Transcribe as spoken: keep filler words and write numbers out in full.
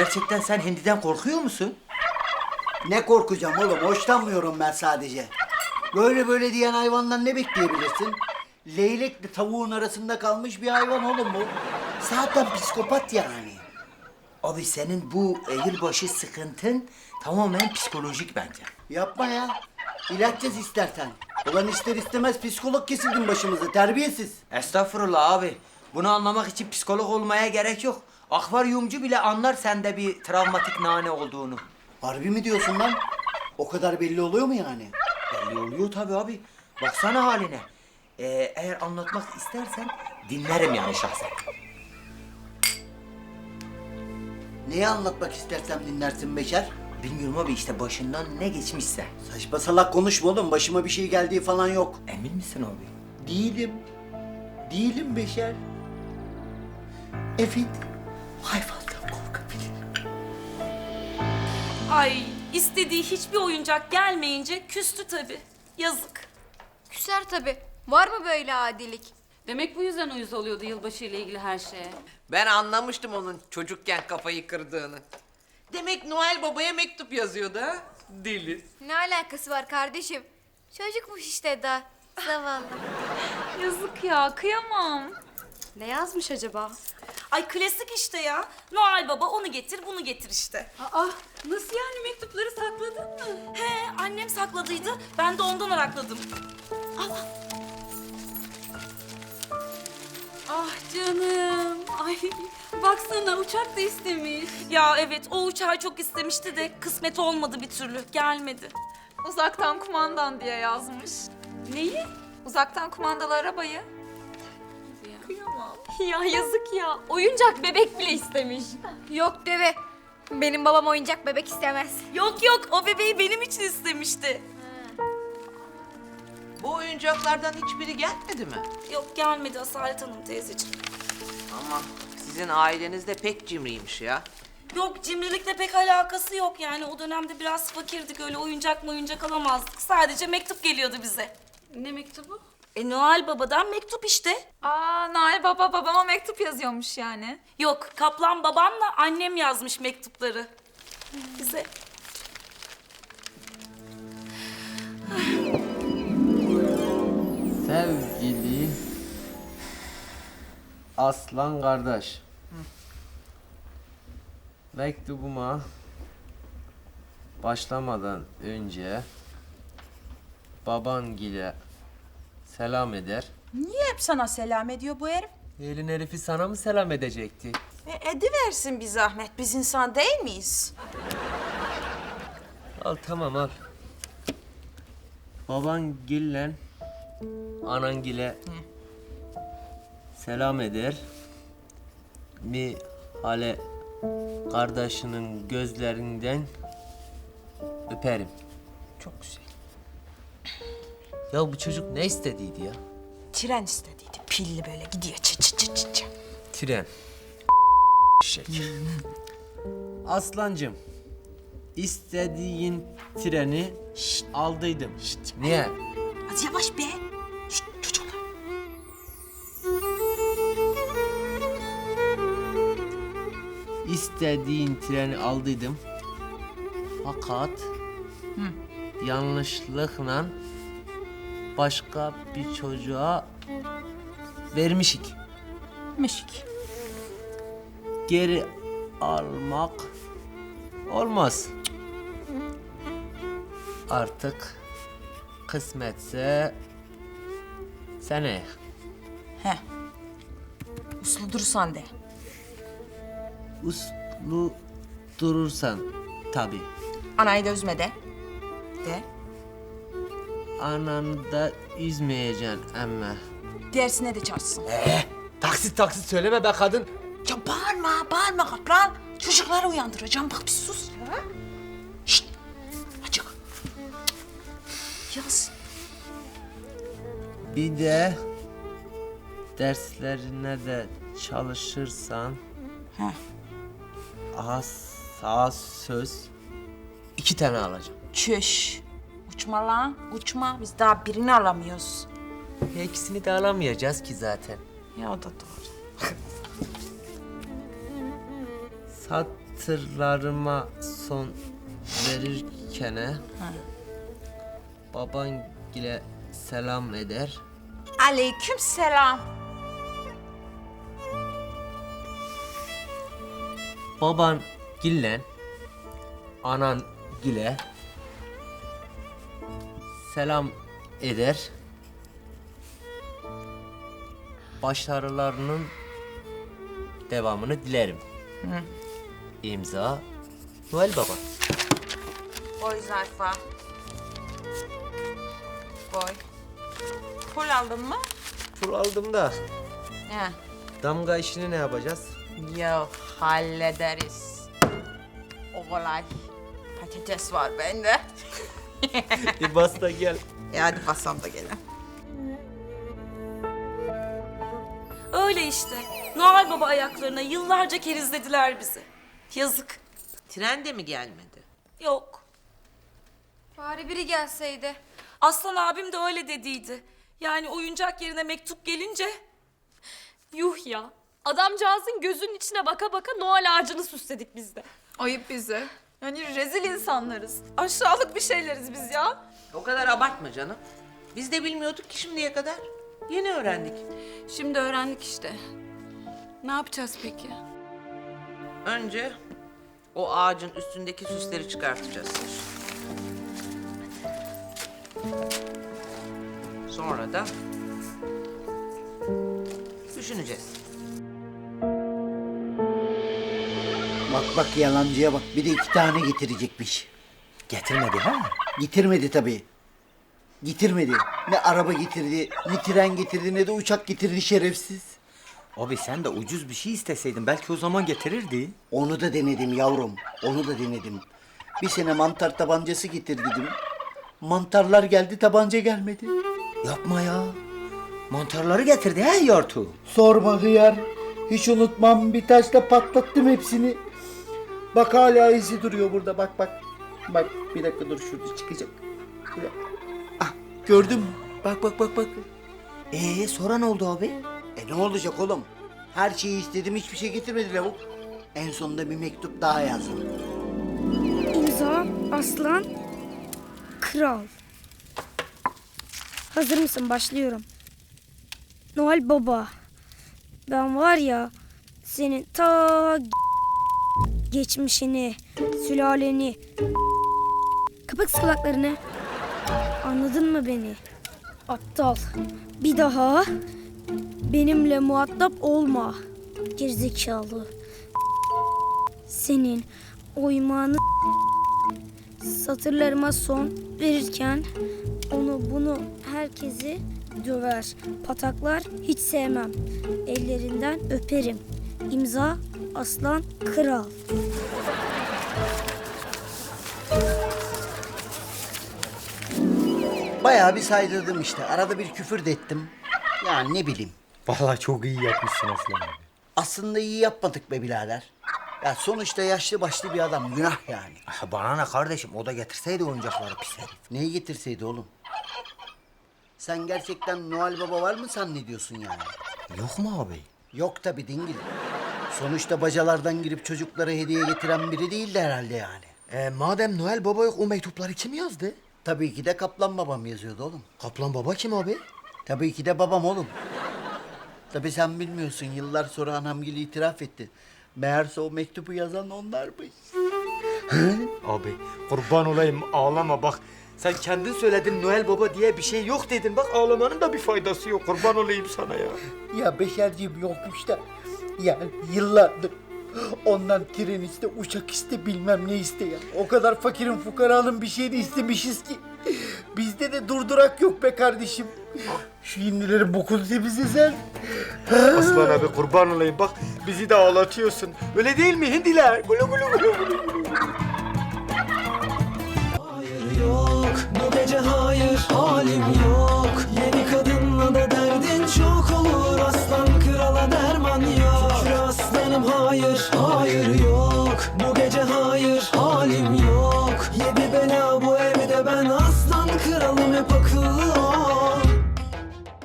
gerçekten sen Hindi'den korkuyor musun? Ne korkacağım oğlum? Hoşlanmıyorum ben sadece. Böyle böyle diyen hayvandan ne bekleyebilirsin? Leylekle tavuğun arasında kalmış bir hayvan oğlum bu. Zaten psikopat yani. Abi senin bu eğilbaşı sıkıntın tamamen psikolojik bence. Yapma ya. İlaç yaz istersen. Ulan ister istemez psikolog kesildin başımıza, terbiyesiz. Estağfurullah abi. Bunu anlamak için psikolog olmaya gerek yok. Akvaryumcu bile anlar sende bir travmatik nane olduğunu. Harbi mi diyorsun lan? O kadar belli oluyor mu yani? Belli oluyor tabii abi. Baksana haline. Ee, eğer anlatmak istersen dinlerim yani şahsen. Neyi anlatmak istersem dinlersin Beşer. Bilmiyorum abi işte başından ne geçmişse. Saçma salak konuşma oğlum. Başıma bir şey geldiği falan yok. Emin misin abi? Değilim. Değilim Beşer. Evet. Hayvandan korkabilirim. Ay istediği hiçbir oyuncak gelmeyince küstü tabii. Yazık. Küser tabii. Var mı böyle adilik? Demek bu yüzden uyuz oluyordu yılbaşı ile ilgili her şeye. Ben anlamıştım onun çocukken kafayı kırdığını. Demek Noel Baba'ya mektup yazıyordu ha? Deli. Ne alakası var kardeşim? Çocukmuş işte da. Zavallı. Yazık ya, kıyamam. Ne yazmış acaba? Ay klasik işte ya. Noel Baba onu getir bunu getir işte. Aa, nasıl yani mektupları sakladın mı? He annem sakladıydı. Ben de ondan arakladım. Ah canım. Ay baksana uçak da istemiş. Ya evet o uçağı çok istemişti de kısmet olmadı bir türlü. Gelmedi. Uzaktan kumandan diye yazmış. Neyi? Uzaktan kumandalı arabayı. Kıyamam. Ya yazık ya. Oyuncak bebek bile istemiş. Yok deve. Benim babam oyuncak bebek istemez. Yok yok o bebeği benim için istemişti. Bu oyuncaklardan hiçbiri gelmedi mi? Yok gelmedi Asalet Hanım teyzeciğim. Aman sizin aileniz de pek cimriymiş ya. Yok cimrilikle pek alakası yok yani. O dönemde biraz fakirdik öyle oyuncak mı oyuncak alamazdık. Sadece mektup geliyordu bize. Ne mektubu? E Noel Baba'dan mektup işte. Aa, Nail Baba babama mektup yazıyormuş yani. Yok Kaplan babamla annem yazmış mektupları. Bize. Sevgili Aslan kardeş. Mektubuma başlamadan önce babangile selam eder. Niye hep sana selam ediyor bu herif? Elin herifi sana mı selam edecekti? E, ediversin bir zahmet. Biz insan değil miyiz? Al tamam al. Babangille anangile selam eder. Mi hale kardeşinin gözlerinden öperim. Çok güzel. Ya bu çocuk ne istediydi ya? Tren istediydi. Pilli böyle gidiyor. Çı çı çı çı çı. Tren. Şek. Aslancım, istediğin treni aldıydım. Niye? Az yavaş be. Şşt çocuklar. İstediğin treni aldıydım. Fakat yanlışlıkla başka bir çocuğa vermişik. Mişik. Geri almak olmaz. Artık kısmetse seneye. He. Uslu dursan de. Uslu durursan tabii. Anayı da üzme de. De. Ananı da üzmeyeceksin emme. Dersine de çalışsın. Taksit taksit söyleme be kadın. Ya bağırma, bağırma kaplan. Çocukları uyandıracağım. Bak bir sus ya. Şşt. Açık. Yaz. Bir de derslerine de çalışırsan He. az sağ söz iki tane alacağım. Çüş. Uçma lan, uçma. Biz daha birini alamıyoruz. Ya ikisini de alamayacağız ki zaten. Ya o da doğru. Sat hatırlarıma son verirken baban gile selam eder. Aleyküm selam. Baban gillen anan gile selam eder. Başarılarının devamını dilerim. İmza Noel Baba. Koy zarfa. Koy. Pul aldın mı? Pul aldım da He. damga işini ne yapacağız? Yok, hallederiz. O kolay. Patates var bende. Bir bas da gel. E hadi basam da gelin. Öyle işte. Noel Baba ayaklarına yıllarca kerizlediler bizi. Yazık. Tren de mi gelmedi? Yok. Bari biri gelseydi. Aslan abim de öyle dediydi. Yani oyuncak yerine mektup gelince Yuh ya. Adamcağızın gözünün içine baka baka Noel ağacını süsledik biz de. Ayıp bize. Yani rezil insanlarız. Aşağılık bir şeyleriz biz ya. O kadar abartma canım. Biz de bilmiyorduk ki şimdiye kadar. Yeni öğrendik. Şimdi öğrendik işte. Ne yapacağız peki? Önce o ağacın üstündeki süsleri çıkartacağız. Sonra da düşüneceğiz. Bak bak yalancıya bak. Bir de iki tane getirecekmiş. Getirmedi ha? Getirmedi tabii. Getirmedi. Ne araba getirdi, ne tren getirdi, ne de uçak getirdi şerefsiz. Abi sen de ucuz bir şey isteseydin belki o zaman getirirdi. Onu da denedim yavrum. Onu da denedim. Bir sene mantar tabancası getir dedim. Mantarlar geldi, tabanca gelmedi. Yapma ya. Mantarları getirdi he yortu. Sorma hıyar. Hiç unutmam. Bir taşla patlattım hepsini. Bak hala izi duruyor burada. Bak bak. Bak bir dakika dur şurada çıkacak. Şurada. Ah gördün mü? Bak bak bak bak. Ee sonra ne oldu abi? E ne olacak oğlum? Her şeyi istedim, hiçbir şey getirmedi lavuk. En sonunda bir mektup daha yazdım. İmza Aslan Kral. Hazır mısın? Başlıyorum. Noel Baba. Ben var ya senin ta geçmişini, sülaleni. Kapat kulaklarını. Anladın mı beni? Aptal. Bir daha benimle muhatap olma. Gerizekalı. Senin oymağını satırlarıma son verirken onu bunu herkesi döver, pataklar, hiç sevmem. Ellerinden öperim. İmza Aslan Kral. Bayağı bir saydırdım işte. Arada bir küfür de ettim. Yani ne bileyim. Vallahi çok iyi yapmışsın Aslan abi. Aslında iyi yapmadık be birader. Ya sonuçta yaşlı başlı bir adam. Günah yani. Ah, bana ne kardeşim o da getirseydi oyuncakları pis herif. Neyi getirseydi oğlum? Sen gerçekten Noel Baba var mı zannediyorsun yani? Yok mu abi? Yok tabii dingil. Sonuçta bacalardan girip çocuklara hediye getiren biri değildi herhalde yani. Ee, madem Noel Baba yok o mektupları kim yazdı? Tabii ki de Kaplan babam yazıyordu oğlum. Kaplan Baba kim abi? Tabii ki de babam oğlum. Tabii sen bilmiyorsun, yıllar sonra anamgil itiraf etti. Meğerse o mektubu yazan onlarmış. Abi kurban olayım ağlama bak. Sen kendin söyledin Noel Baba diye bir şey yok dedin. Bak ağlamanın da bir faydası yok. Kurban olayım sana ya. Ya Beşerciğim yokmuş da. Yani yıllardır ondan tren iste, uçak iste, bilmem ne iste ya. O kadar fakirin fukaranın bir şeyini istemişiz ki. Bizde de durdurak yok be kardeşim. Şu hindilerin bokunu temizle sen. Aslan abi kurban olayım bak bizi de ağlatıyorsun. Öyle değil mi hindiler? Gulu gulu gulu gulu. Hayır yok bu gece hayır halim yok. Yeni kadınla da derdin çok olur. Aslan krala derman yok. Şükür aslanım hayır